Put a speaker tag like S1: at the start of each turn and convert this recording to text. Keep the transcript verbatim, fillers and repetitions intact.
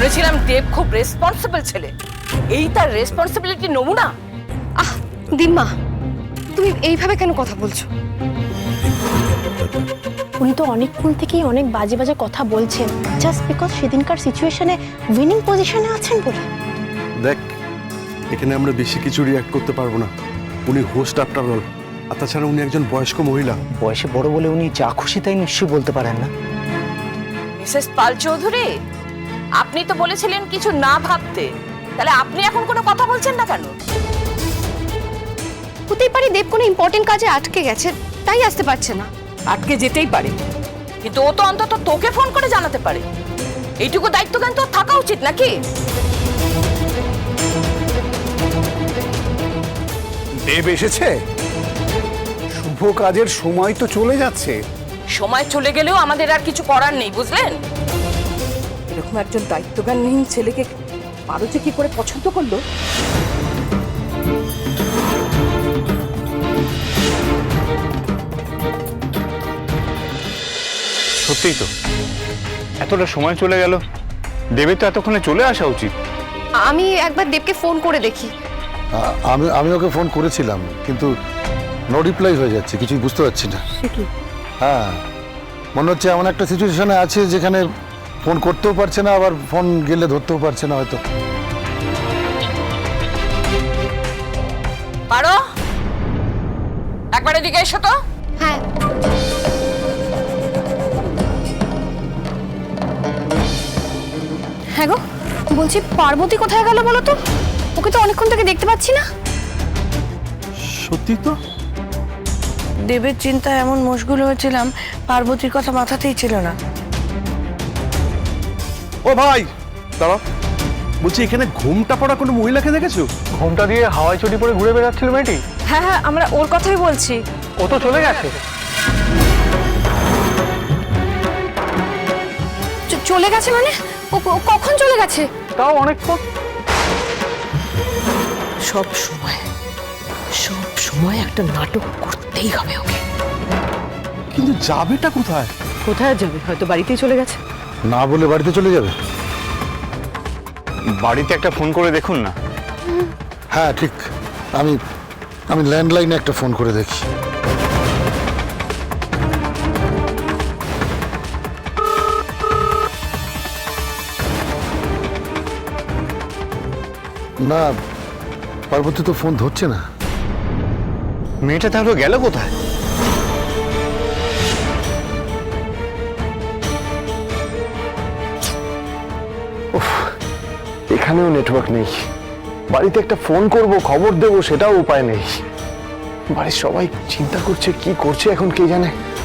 S1: শুনেছিলাম দেব খুব রেসপন্সিবল ছেলে, এই তার রেসপন্সিবিলিটি নমুনা।
S2: আহ দিম্মা, তুমি এইভাবে কেন কথা বলছো?
S3: উনি তো অনেকক্ষণ থেকেই অনেক বাজে বাজে কথা বলছেন, জাস্ট বিকজ সেদিনকার সিচুয়েশনে উইনিং পজিশনে আছেন বলে।
S4: দেখ, এখানে আমরা বেশি কিছু রিয়াক্ট করতে পারবো না। উনি হোস্ট আফটার অল, আর তাছাড়া উনি একজন বয়স্ক মহিলা।
S5: বয়সে বড় বলে উনি যা খুশি তাই নিশ্চয়ই বলতে পারেন না।
S1: মিসেস পাল চৌধুরী, আপনি তো বলেছিলেন কিছু না ভাবতে, তাহলে আপনি এখন কোনো কথা বলছেন না কেন?
S2: হতেই পারে দেব কোনো ইম্পর্টেন্ট কাজে আটকে গেছে, তাই আসতে পারছে না।
S1: আটকে যেতেই পারে, কিন্তু ও তো অন্তত তোকে ফোন করে জানাতে পারে। এইটুকু দায়িত্ব জ্ঞান তো থাকা উচিত নাকি?
S6: দেব এসেছে? শুভ কাজের সময় তো চলে যাচ্ছে।
S1: সময় চলে গেলেও আমাদের আর কিছু করার নেই, বুঝলেন? এরকম একজন দায়িত্বজ্ঞানহীন ছেলেকে পারো যে কি করে পছন্দ করলো?
S7: সত্যিই তো, এতটা সময় চলে গেল, দেবের তো এতক্ষণে চলে আসা উচিত।
S2: আমি একবার দেবকে ফোন করে দেখি।
S8: আ- আমি আমি ওকে ফোন করেছিলাম, কিন্তু নো রিপ্লাই হয়ে যাচ্ছে, কিছুই বুঝতে পারছি না। হ্যাঁ, মনে হচ্ছে এমন একটা সিচুয়েশনে আছে যেখানে ফোন করতেও পারছে না, আবার ফোন গেলে ধরতেও পারছে না হয়তো।
S1: পারো একবার এদিকে এসো তো।
S2: হ্যাঁ, হ্যাঁ গো, বলছি পার্বতী কোথায় গেল বলো তো? ওকে তো অনেকক্ষণ থেকে দেখতে পাচ্ছি না।
S4: সত্যি তো,
S9: দেবের চিন্তায় এমন মশগুল হয়েছিলাম, পার্বতীর কথা মাথাতেই ছিল না।
S4: ও ভাই দাঁড়াও, বলছি এখানে ঘুমটা পড়া কোনো মহিলাকে দেখেছো?
S7: ঘোমটা দিয়ে হাওয়ায় চটি পরে ঘুরে বেড়াচ্ছিল মেয়েটি।
S3: হ্যাঁ হ্যাঁ, আমরা ওর কথাই বলছি।
S7: ও তো চলে গেছে।
S2: চ- চলে গেছে মানে? ও ও কখন চলে গেছে?
S7: তাও অনেকক্ষণ।
S1: সব সময় সব সময় একটা নাটক করতেই হবে ওকে।
S4: কিন্তু যাবেটা কোথায়?
S1: কোথায় যাবে? হয়তো বাড়িতেই চলে গেছে।
S8: না বলে বাড়িতে চলে যাবে?
S7: বাড়িতে একটা ফোন করে দেখুন না।
S8: হ্যাঁ ঠিক, আমি আমি ল্যান্ডলাইনে একটা ফোন করে দেখি। না, পার্বতী তো ফোন ধরছে না।
S7: মেয়েটা তাহলে গেল কোথায়?
S10: এখানেও নেটওয়ার্ক নেই, বাড়িতে একটা ফোন করব, খবর দেব, সেটাও উপায় নেই। বাড়ির সবাই চিন্তা করছে, কি করছে এখন কে জানে।